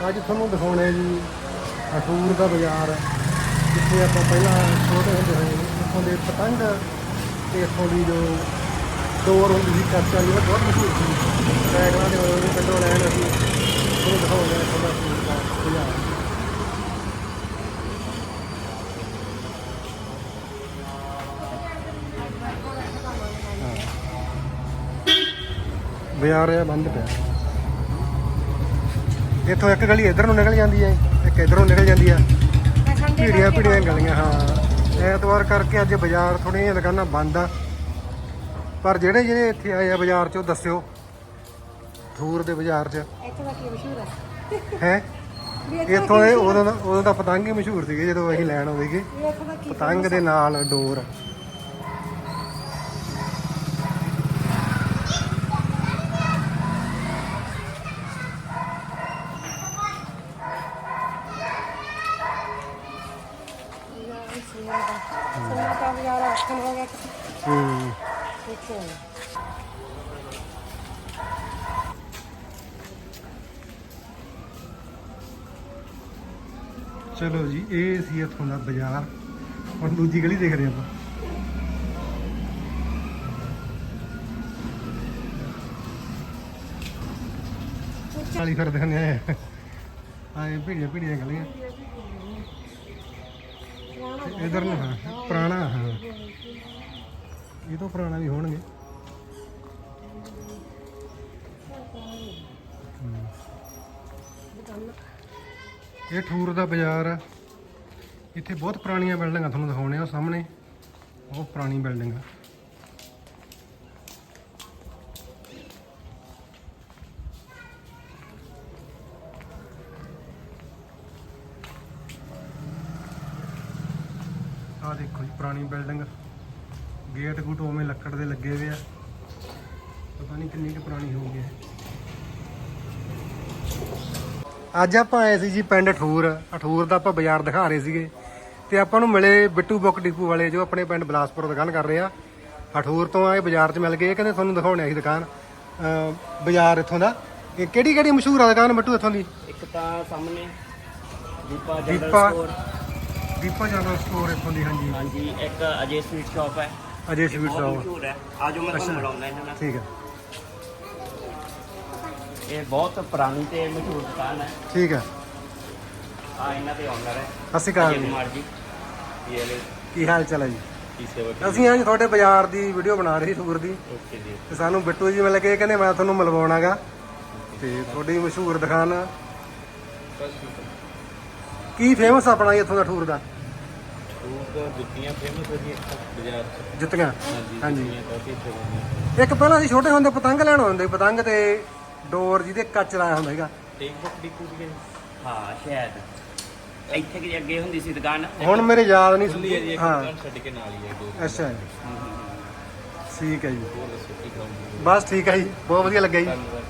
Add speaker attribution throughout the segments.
Speaker 1: ਅੱਜ ਤੁਹਾਨੂੰ ਦਿਖਾਉਣਾ ਜੀ ਅਠੂਰ ਦਾ ਬਾਜ਼ਾਰ, ਜਿੱਥੇ ਆਪਾਂ ਪਹਿਲਾਂ ਛੋਟੇ ਹੁੰਦੇ ਹੋਏ ਇੱਥੋਂ ਦੇ ਪਤੰਗ ਤੇ ਇੱਥੋਂ ਦੀ ਜੋ ਡੋਰ ਹੁੰਦੀ ਸੀ ਕੱਚ ਵਾਲੀ, ਉਹ ਬਹੁਤ ਮਸ਼ਹੂਰ ਸੀ। ਸਾਈਕਲਾਂ ਦੇ ਹੋਏ ਪਿੰਡੋਂ ਲੈਣ ਅਸੀਂ ਤੁਹਾਨੂੰ ਦਿਖਾਉਂਦੇ ਇੱਥੋਂ ਦਾ ਅਠੂਰ ਦਾ ਬਾਜ਼ਾਰ। ਬਾਜ਼ਾਰ ਇਹ ਬੰਦ ਪਿਆ। ਇੱਥੋਂ ਇੱਕ ਗਲੀ ਇੱਧਰ ਨੂੰ ਨਿਕਲ ਜਾਂਦੀ ਹੈ, ਇੱਕ ਇੱਧਰੋਂ ਨਿਕਲ ਜਾਂਦੀ ਆ, ਭੀੜੀਆਂ ਗਲੀਆਂ। ਹਾਂ, ਐਤਵਾਰ ਕਰਕੇ ਅੱਜ ਬਾਜ਼ਾਰ ਥੋੜ੍ਹੀਆਂ ਜਿਹੀਆਂ ਦੁਕਾਨਾਂ ਬੰਦ ਆ, ਪਰ ਜਿਹੜੇ ਇੱਥੇ ਆਏ ਆ ਬਾਜ਼ਾਰ 'ਚ ਉਹ ਦੱਸਿਓ ਅਠੂਰ ਦੇ ਬਾਜ਼ਾਰ 'ਚ ਹੈ। ਇੱਥੋਂ ਦੇ ਉਦੋਂ ਦਾ ਪਤੰਗ ਹੀ ਮਸ਼ਹੂਰ ਸੀਗੇ ਜਦੋਂ ਅਸੀਂ ਲੈਣ ਆਉਂਦੇ ਸੀਗੇ, ਪਤੰਗ ਦੇ ਨਾਲ ਡੋਰ। ਚਲੋ ਜੀ, ਇਹ ਸੀ ਇੱਥੋਂ ਦਾ ਬਾਜ਼ਾਰ। ਹੁਣ ਦੂਜੀ ਗਲੀ ਦੇਖਦੇ ਆਪਾਂ। ਚਾਲੀ ਫਿਰਦੇ ਹੁੰਦੇ ਆਏ ਭੀੜੀਆਂ ਗਲੀਆਂ। ਇਧਰ ਨੂੰ ਹਾਂ ਪੁਰਾਣਾ, ਹਾਂ ਇਹ ਤੋਂ ਪੁਰਾਣਾ ਵੀ ਹੋਣਗੇ। ਇਹ ਅਠੂਰ ਦਾ ਬਾਜ਼ਾਰ ਆ। ਇੱਥੇ ਬਹੁਤ ਪੁਰਾਣੀਆਂ ਬਿਲਡਿੰਗਾਂ ਤੁਹਾਨੂੰ ਦਿਖਾਉਣੇ ਆ। ਸਾਹਮਣੇ ਉਹ ਪੁਰਾਣੀ ਬਿਲਡਿੰਗ ਆ। ਆਹ ਦੇਖੋ ਜੀ, ਪੁਰਾਣੀ ਬਿਲਡਿੰਗ, ਗੇਟ ਗੂਟ ਉਵੇਂ ਲੱਕੜ ਦੇ ਲੱਗੇ ਹੋਏ ਆ। ਪਤਾ ਨਹੀਂ ਕਿੰਨੀ ਕੁ ਪੁਰਾਣੀ ਹੋ ਗਈ। ਅੱਜ ਆਪਾਂ ਆਏ ਸੀ ਜੀ ਪਿੰਡ ਅਠੂਰ ਦਾ ਆਪਾਂ ਬਾਜ਼ਾਰ ਦਿਖਾ ਰਹੇ ਸੀਗੇ, ਤੇ ਆਪਾਂ ਨੂੰ ਮਿਲੇ ਬਿੱਟੂ ਬੁੱਕ ਡਿਪੂ ਵਾਲੇ, ਜੋ ਆਪਣੇ ਪਿੰਡ ਬਲਾਸਪੁਰ ਦੁਕਾਨ ਕਰ ਰਹੇ ਆ। ਅਠੂਰ ਤੋਂ ਆਏ ਬਾਜ਼ਾਰ 'ਚ ਮਿਲ ਗਏ। ਇਹ ਕਹਿੰਦੇ ਤੁਹਾਨੂੰ ਦਿਖਾਉਣੇ ਸੀ ਦੁਕਾਨ, ਬਾਜ਼ਾਰ ਇੱਥੋਂ ਦਾ। ਇਹ ਕਿਹੜੀ ਮਸ਼ਹੂਰ ਆ ਦੁਕਾਨ ਬਿੱਟੂ ਇੱਥੋਂ ਦੀ?
Speaker 2: ਇੱਕ ਤਾਂ ਸਾਹਮਣੇ ਦੀਪਾ
Speaker 1: ਜਨਰਲ ਸਟੋਰ ਇੱਥੋਂ ਦੀ।
Speaker 2: ਹਾਂਜੀ, ਇੱਕ ਅਜੇ ਸਵੀਟ ਸ਼ਾਪ ਹੈ।
Speaker 1: ਅਜੇ ਸਵੀਟ ਸ਼ਾਪ
Speaker 2: ਮਸ਼ਹੂਰ ਹੈ। ਆਜੋ ਮੈਂ ਤੁਹਾਨੂੰ ਮਿਲਾਉਂਦਾ ਇਹਨਾਂ ਨਾਲ।
Speaker 1: ਠੀਕ ਹੈ।
Speaker 2: ਇਹ ਬਹੁਤ ਪੁਰਾਣੀ ਤੇ ਮਸ਼ਹੂਰ ਦੁਕਾਨ ਹੈ।
Speaker 1: ਠੀਕ ਹੈ।
Speaker 2: ਆ ਇਹਨਾਂ ਦੇ ਓਨਰ ਹੈ
Speaker 1: ਸਤਿ ਸ਼੍ਰੀ ਅਕਾਲ ਜੀ।
Speaker 2: ਕੁਮਾਰ ਜੀ,
Speaker 1: ਕੀ ਹਾਲ ਚਾਲ ਹੈ ਜੀ?
Speaker 2: ਕੀ ਸੇਵਾ?
Speaker 1: ਅਸੀਂ ਅੱਜ ਤੁਹਾਡੇ ਬਾਜ਼ਾਰ ਦੀ ਵੀਡੀਓ ਬਣਾ ਰਹੇ ਸੀ, ਅਠੂਰ ਦੀ।
Speaker 2: ਓਕੇ ਜੀ।
Speaker 1: ਤੇ ਸਾਨੂੰ ਬਿੱਟੂ ਜੀ ਮਿਲ ਕੇ ਕਹਿੰਦੇ ਮੈਂ ਤੁਹਾਨੂੰ ਮਿਲਵਾਉਣਾਗਾ, ਤੇ ਤੁਹਾਡੀ ਮਸ਼ਹੂਰ ਦੁਕਾਨ ਕੀ ਫੇਮਸ ਆਪਣਾ ਇੱਥੋਂ ਦਾ ਅਠੂਰ ਦਾ?
Speaker 2: ਜੁੱਤੀਆਂ ਫੇਮਸ ਹੈ ਜੀ ਬਾਜ਼ਾਰ 'ਚ।
Speaker 1: ਜੁੱਤੀਆਂ? ਹਾਂਜੀ।
Speaker 2: ਕਾਫੀ
Speaker 1: ਇੱਕ ਪਹਿਲਾਂ ਅਸੀਂ ਛੋਟੇ ਹੁੰਦੇ ਪਤੰਗ ਲੈਣ ਆਉਂਦੇ, ਪਤੰਗ ਤੇ ਡੋਰ ਜਿਹਦੇ ਕੱਚ ਲਾਇਆ ਹੁੰਦਾ ਸੀਗਾ।
Speaker 2: ਹਾਂ, ਸ਼ਾਇਦ ਇੱਥੇ ਕਿ ਅੱਗੇ ਹੁੰਦੀ ਸੀ ਦੁਕਾਨ।
Speaker 1: ਹੁਣ ਮੇਰੇ ਯਾਦ ਨਹੀਂ ਸੁਣਦੀ। ਹਾਂ,
Speaker 2: ਛੱਡ ਕੇ ਨਾਲ ਹੀ ਹੈ।
Speaker 1: ਅੱਛਾ ਜੀ, ਠੀਕ ਹੈ ਜੀ। ਬਸ ਠੀਕ ਹੈ ਜੀ, ਬਹੁਤ ਵਧੀਆ ਲੱਗਾ ਜੀ।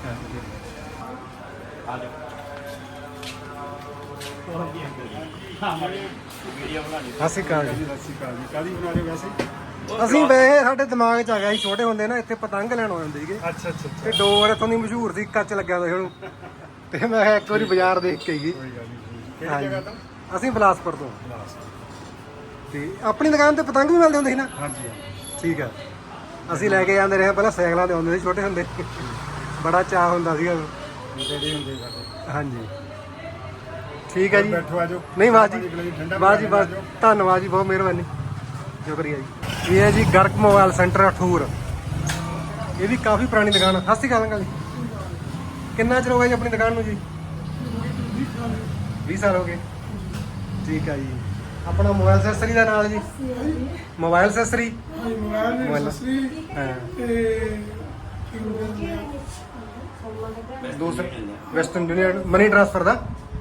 Speaker 1: ਸਤਿ ਸ਼੍ਰੀ ਅਕਾਲ ਜੀ।
Speaker 3: ਕਾਹਦੀ ਬਣਾ ਰਹੇ ਹੋ ਵੈਸੇ?
Speaker 1: ਅਸੀਂ ਵੈਸੇ ਸਾਡੇ ਦਿਮਾਗ 'ਚ ਆ ਗਿਆ ਸੀ, ਛੋਟੇ ਹੁੰਦੇ ਨਾ ਇੱਥੇ ਪਤੰਗ ਲੈਣ ਆਉਂਦੇ ਸੀਗੇ,
Speaker 3: ਅੱਛਾ।
Speaker 1: ਤੇ ਡੋਰ ਇੱਥੋਂ ਦੀ ਮਸ਼ਹੂਰ ਸੀ, ਕੱਚ ਲੱਗਿਆ ਹੁੰਦਾ ਸੀ ਉਹਨੂੰ। ਤੇ ਮੈਂ ਕਿਹਾ ਇੱਕ ਵਾਰੀ ਬਾਜ਼ਾਰ ਦੇਖ ਕੇ ਗਈ।
Speaker 3: ਕਿਹੜੀ ਜਗ੍ਹਾ ਤੋਂ?
Speaker 1: ਅਸੀਂ ਬਲਾਸਪੁਰ ਤੋਂ। ਤੇ ਆਪਣੀ ਦੁਕਾਨ ਤੇ ਪਤੰਗ ਵੀ ਮਿਲਦੇ ਹੁੰਦੇ ਸੀ ਨਾ?
Speaker 3: ਹਾਂਜੀ।
Speaker 1: ਠੀਕ ਹੈ। ਅਸੀਂ ਲੈ ਕੇ ਜਾਂਦੇ ਰਹੇ, ਪਹਿਲਾਂ ਸਾਈਕਲਾਂ ਤੇ ਆਉਂਦੇ ਸੀ ਛੋਟੇ ਹੁੰਦੇ, ਬੜਾ ਚਾਅ ਹੁੰਦਾ ਸੀਗਾ।
Speaker 3: ਜਿਹੜੇ ਹੁੰਦੇ ਸਾਡੇ।
Speaker 1: ਹਾਂਜੀ, ਠੀਕ ਹੈ ਜੀ।
Speaker 3: ਬੈਠੋ ਆਜੋ।
Speaker 1: ਨਹੀਂ ਬਸ ਜੀ, ਬਸ ਧੰਨਵਾਦ ਜੀ, ਬਹੁਤ ਮਿਹਰਬਾਨੀ, ਸ਼ੁਕਰੀਆ ਜੀ। ਇਹ ਹੈ ਜੀ ਗਰਗ ਮੋਬਾਈਲ ਸੈਂਟਰ ਅਠੂਰ। ਇਹ ਵੀ ਕਾਫੀ ਪੁਰਾਣੀ ਦੁਕਾਨ ਆ। ਸਤਿ ਸ਼੍ਰੀ ਅਕਾਲ ਅੰਕਲ ਜੀ। ਕਿੰਨਾ ਚਿਰ ਹੋ ਗਿਆ ਜੀ ਆਪਣੀ ਦੁਕਾਨ ਨੂੰ ਜੀ? 20 ਸਾਲ ਹੋ ਗਏ। ਠੀਕ ਹੈ ਜੀ। ਆਪਣਾ ਮੋਬਾਈਲ ਐਕਸੈਸਰੀ ਦਾ ਨਾਲ ਜੀ? ਮੋਬਾਈਲ ਐਕਸੈਸਰੀ, ਦੂਸਰਾ ਵੈਸਟਰਨ ਯੂਨੀਅਨ ਮਨੀ ਟ੍ਰਾਂਸਫਰ ਦਾ,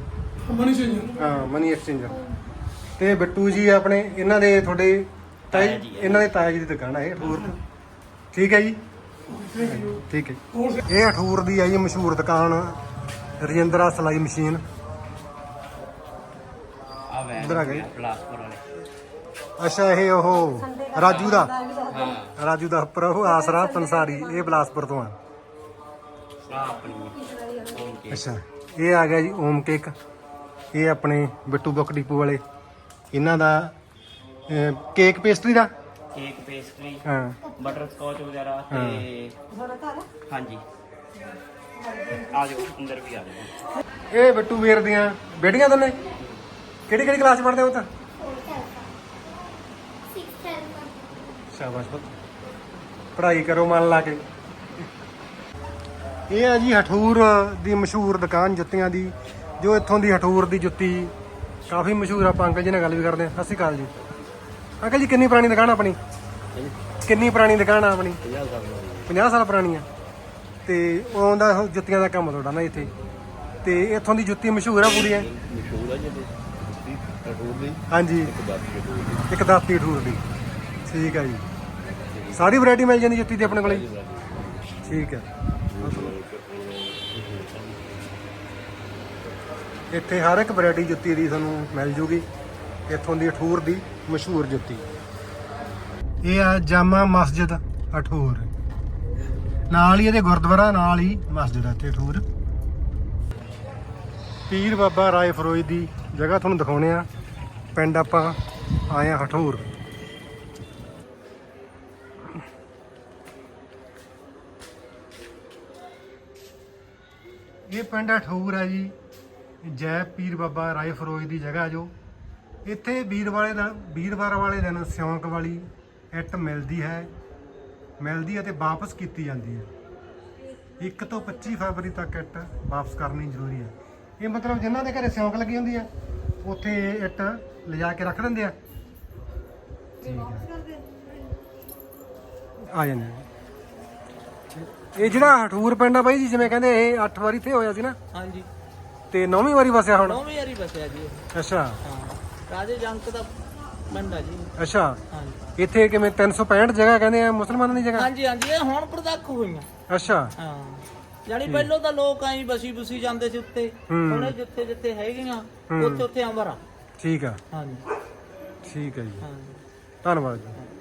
Speaker 1: ਮਨੀ ਐਕਸਚੇਂਜਰ। ਤੇ ਬਿੱਟੂ ਜੀ ਆਪਣੇ, ਇਹਨਾਂ ਦੇ ਤੁਹਾਡੇ ਇਹਨਾਂ ਦੇ ਤਾਇਆ ਜੀ ਦੀ ਦੁਕਾਨ ਹੈ ਅਠੂਰ ਤੋਂ। ਠੀਕ ਹੈ ਜੀ, ਠੀਕ ਹੈ। ਇਹ ਅਠੂਰ ਦੀ ਹੈ ਜੀ ਮਸ਼ਹੂਰ ਦੁਕਾਨ, ਰਜਿੰਦਰਾ ਸਿਲਾਈ ਮਸ਼ੀਨ। ਇੱਧਰ ਆ ਗਏ
Speaker 2: ਬਲਾਸਪੁਰ ਵਾਲੇ।
Speaker 1: ਅੱਛਾ, ਇਹ ਉਹ ਰਾਜੂ ਦਾ ਪ੍ਰਭੂ ਆਸਰਾ ਪੰਸਾਰੀ, ਇਹ ਬਲਾਸਪੁਰ ਤੋਂ ਆ।
Speaker 2: ਆਪਣੀ
Speaker 1: ਅੱਛਾ, ਇਹ ਆ ਗਿਆ ਜੀ ਓਮ ਕੇਕ। ਇਹ ਆਪਣੇ ਬਿੱਟੂ ਬੁੱਕ ਡਿਪੂ ਵਾਲੇ ਇਹਨਾਂ ਦਾ ਕੇਕ ਪੇਸਟਰੀ ਦਾ
Speaker 2: ਕੇਕ ਪੇਸਟਰੀ
Speaker 1: ਹਾਂ
Speaker 2: ਬਟਰ ਸਕੌਚ ਵਗੈਰਾ ਤੇ ਹਾਂਜੀ ਆ ਜਾਓ ਅੰਦਰ ਵੀ ਆ ਜਾਓ।
Speaker 1: ਇਹ ਬਿੱਟੂ ਵੀਰ ਦੀਆਂ ਬੇਟੀਆਂ ਦੋਨੇ ਕਿਹੜੀ ਕਿਹੜੀ ਕਲਾਸ ਪੜ੍ਹਦੇ ਹੋ ਤਾਂ? ਸ਼ਾਬਾਸ਼ ਪੁੱਤ, ਪੜ੍ਹਾਈ ਕਰੋ ਮਨ ਲਾ ਕੇ। ਇਹ ਆ ਜੀ ਹਠੂਰ ਦੀ ਮਸ਼ਹੂਰ ਦੁਕਾਨ ਜੁੱਤੀਆਂ ਦੀ, ਜੋ ਇੱਥੋਂ ਦੀ ਹਠੂਰ ਦੀ ਜੁੱਤੀ ਕਾਫੀ ਮਸ਼ਹੂਰ ਆ। ਆਪਾਂ ਅੰਕਲ ਜੀ ਨਾਲ ਗੱਲ ਵੀ ਕਰਦੇ ਹਾਂ। ਸਤਿ ਸ਼੍ਰੀ ਅਕਾਲ ਜੀ ਅੰਕਲ ਜੀ। ਕਿੰਨੀ ਪੁਰਾਣੀ ਦੁਕਾਨ ਆਪਣੀ? ਕਿੰਨੀ ਪੁਰਾਣੀ ਦੁਕਾਨ ਆ ਆਪਣੀ? 50 ਸਾਲ ਪੁਰਾਣੀ ਆ। ਤੇ ਉਦੋਂ ਦਾ ਜੁੱਤੀਆਂ ਦਾ ਕੰਮ ਤੁਹਾਡਾ ਨਾ ਇੱਥੇ, ਤੇ ਇੱਥੋਂ ਦੀ ਜੁੱਤੀ ਮਸ਼ਹੂਰ ਆ ਪੂਰੀ ਹੈ?
Speaker 4: ਮਸ਼ਹੂਰ ਆ ਜੀ ਹਠੂਰ ਦੀ,
Speaker 1: ਹਾਂਜੀ, ਇੱਕ ਦਾਤੀ ਹਠੂਰ ਦੀ। ਠੀਕ ਹੈ ਜੀ। ਸਾਰੀ ਵੈਰਾਈਟੀ ਮਿਲ ਜਾਂਦੀ ਜੁੱਤੀ ਦੀ ਆਪਣੇ ਕੋਲੇ? ਠੀਕ ਹੈ। ਇੱਥੇ ਹਰ ਇੱਕ ਵੈਰਾਈਟੀ ਜੁੱਤੀ ਦੀ ਤੁਹਾਨੂੰ ਮਿਲ ਜੂਗੀ। ਇੱਥੋਂ ਦੀ ਹਠੂਰ ਦੀ ਮਸ਼ਹੂਰ ਜੁੱਤੀ। ਇਹ ਆ ਜਾਮਾ ਮਸਜਿਦ ਹਠੂਰ, ਨਾਲ ਹੀ ਇਹਦੇ ਗੁਰਦੁਆਰਾ, ਨਾਲ ਹੀ ਮਸਜਿਦ ਆ ਇੱਥੇ ਹਠੂਰ। ਪੀਰ ਬਾਬਾ ਰਾਏ ਫਰੋਜ਼ ਦੀ ਜਗ੍ਹਾ ਤੁਹਾਨੂੰ ਦਿਖਾਉਣੇ ਆ। ਪਿੰਡ ਆਪਾਂ ਆਏ ਆ ਹਠੂਰ। ਇਹ ਪਿੰਡ ਹਠੂਰ ਹੈ ਜੀ। ਜੈ ਪੀਰ ਬਾਬਾ ਰਾਏ ਫਰੋਜ਼ ਦੀ ਜਗ੍ਹਾ ਜੋ। ਇੱਥੇ ਵੀਰਵਾਰ ਵਾਲੇ ਦਿਨ ਸਿਉਂਕ ਵਾਲੀ ਇੱਟ ਮਿਲਦੀ ਹੈ ਅਤੇ ਵਾਪਸ ਕੀਤੀ ਜਾਂਦੀ ਹੈ। 1 ਤੋਂ 25 ਫਰਵਰੀ ਤੱਕ ਇੱਟ ਵਾਪਸ ਕਰਨੀ ਜ਼ਰੂਰੀ ਹੈ। ਇਹ ਮਤਲਬ ਜਿਨ੍ਹਾਂ ਦੇ ਘਰੇ ਸਿਉਂਕ ਲੱਗੀ ਹੁੰਦੀ ਹੈ ਉੱਥੇ ਇਹ ਇੱਟ ਲਿਜਾ ਕੇ ਰੱਖ ਦਿੰਦੇ ਆ। ਆ ਜਾਂਦੇ ਆ। ਇਹ ਜਿਹੜਾ ਹਠੂਰ ਪਿੰਡ ਆ ਬਾਈ ਜੀ, ਜਿਵੇਂ ਕਹਿੰਦੇ ਇਹ 8 ਵਾਰੀ ਇੱਥੇ ਹੋਇਆ ਸੀ ਨਾ?
Speaker 5: ਹਾਂਜੀ,
Speaker 1: ਤੇ 9ਵੀਂ ਵਾਰੀ ਵਸਿਆ ਹੁਣ?
Speaker 5: 9ਵੀਂ ਵਾਰੀ ਬਸਿਆ ਜੀ ਇਹ।
Speaker 1: ਅੱਛਾ,
Speaker 5: ਹਾਂ, ਰਾਜੇ ਜੰਗ ਦਾ ਪਿੰਡ ਆ ਜੀ।
Speaker 1: ਅੱਛਾ।
Speaker 5: ਹਾਂਜੀ,
Speaker 1: ਇੱਥੇ ਕਿਵੇਂ 365 ਜਗ੍ਹਾ ਕਹਿੰਦੇ ਆ ਮੁਸਲਮਾਨਾਂ ਦੀ ਜਗ੍ਹਾ?
Speaker 5: ਹਾਂਜੀ ਹਾਂਜੀ, ਇਹ ਹੁਣ ਪ੍ਰਤੱਖ ਹੋਈਆਂ।
Speaker 1: ਅੱਛਾ,
Speaker 5: ਹਾਂ, ਜਾਨੀ ਪਹਿਲਾਂ ਤਾਂ ਲੋਕ ਐਂ ਬਸੀ ਬੁਸੀ ਜਾਂਦੇ ਸੀ ਉੱਤੇ, ਹੁਣ ਇਹ ਜਿੱਥੇ ਜਿੱਥੇ ਹੈਗੀਆਂ ਉੱਥੇ ਉੱਥੇ ਅੰਬਰ ਆ।
Speaker 1: ਠੀਕ ਆ।
Speaker 5: ਹਾਂਜੀ
Speaker 1: ਠੀਕ ਹੈ ਜੀ,
Speaker 5: ਹਾਂਜੀ।
Speaker 1: ਧੰਨਵਾਦ ਜੀ।